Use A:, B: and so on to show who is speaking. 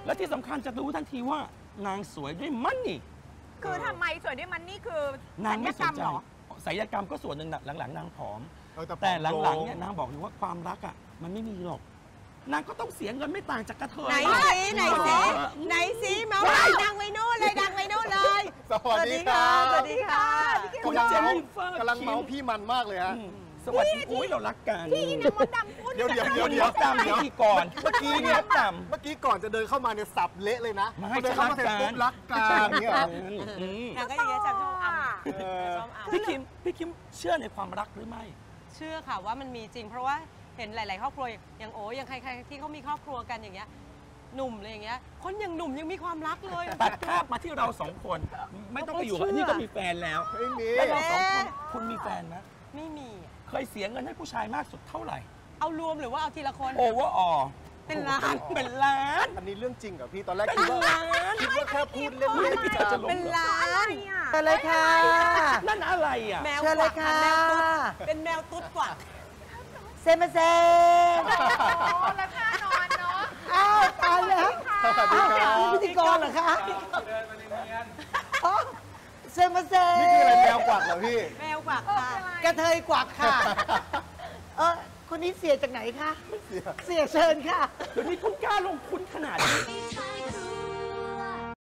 A: และที่สำคัญจะรู้ทันทีว่านางสวยด้วยมันนี่
B: คือทำไมสวยด้วยมันนี่คือน
A: างไม่สนใจ
B: เหรอ
A: ศัลยกรรมก็ส่วนหนึ่งหลังๆนางผอมแต่หลังๆเนี่ยนางบอกอยู่ว่าความรักอ่ะมันไม่มีหรอกนางก็ต้องเสียเงินไม่ต่างจากกระเทย
C: ไหนสิมาดังไว้โน่นเลยดังไว้โน่นเลย
D: สวัสดีค่ะ
C: สวัสดีค่ะ
A: คุณเจนนิเฟอร์
D: กำลังเมาพี่มันมากเลยฮะ
A: สวัสดีอุ้ยเรารักกัน
B: พี่นางมดดำพูด
D: เดี๋ยว
A: ตามพิธีก่อน
D: เมื่อกี้เนี่ยเมื่อกี้ก่อนจะเดินเข้ามาเนี่ยสับเละเลยนะ
A: ไม่จะรักกัน
D: รักกันเนี่ย
C: นางก็อย่างเงี้ยชอบ
A: พี่คิมเชื่อในความรักหรือไม่
C: เชื่อค่ะว่ามันมีจริงเพราะว่าเห็นหลายๆครอบครัวอย่างโอ้ยังใครๆที่เขามีครอบครัวกันอย่างเงี้ยหนุ่มเลยอย่างเงี้ยคนอย่างหนุ่มยังมีความรักเลย
A: ตัดภาพมาที่เราสองคนไม่ต้องไปอยู่กับนี่ก็มีแฟนแล้วแล้วเราสองคนคุณมีแฟนไหม
C: ไม่มี
A: เคยเสียเงินให้ผู้ชายมากสุดเท่าไหร่
C: เอารวมหรือว่าเอาทีละคน
A: โอเวอร์ออ
C: เป็นล้าน
D: อันนี้เรื่องจริงกับพี่ตอนแรกคิดว่าแค่พูดเล่นๆ
C: เป็นล้าน
E: เชิญเลยค่ะ
A: นั่นอะไรอ่ะ
C: แมวกวักแมวตุ๊ดเป็นแมวตุ๊ดกวัก
E: เซมาเซ
B: ราคานอนเนาะ
E: อ้าวตายแล้ว
D: สวัสดีครับ
E: นี่พิธีกรเหรอคะเดินมาเนียนเซมาเซ
D: นี่คืออะไรแมวกวักเหรอพี่
C: แมวกวักค่ะ
E: กระเทยกวักค่ะคนนี้เสียจากไหนคะเสียเชิญค่ะ
A: เดี๋ยวนี้คุณกล้าลงทุนขนาดนี้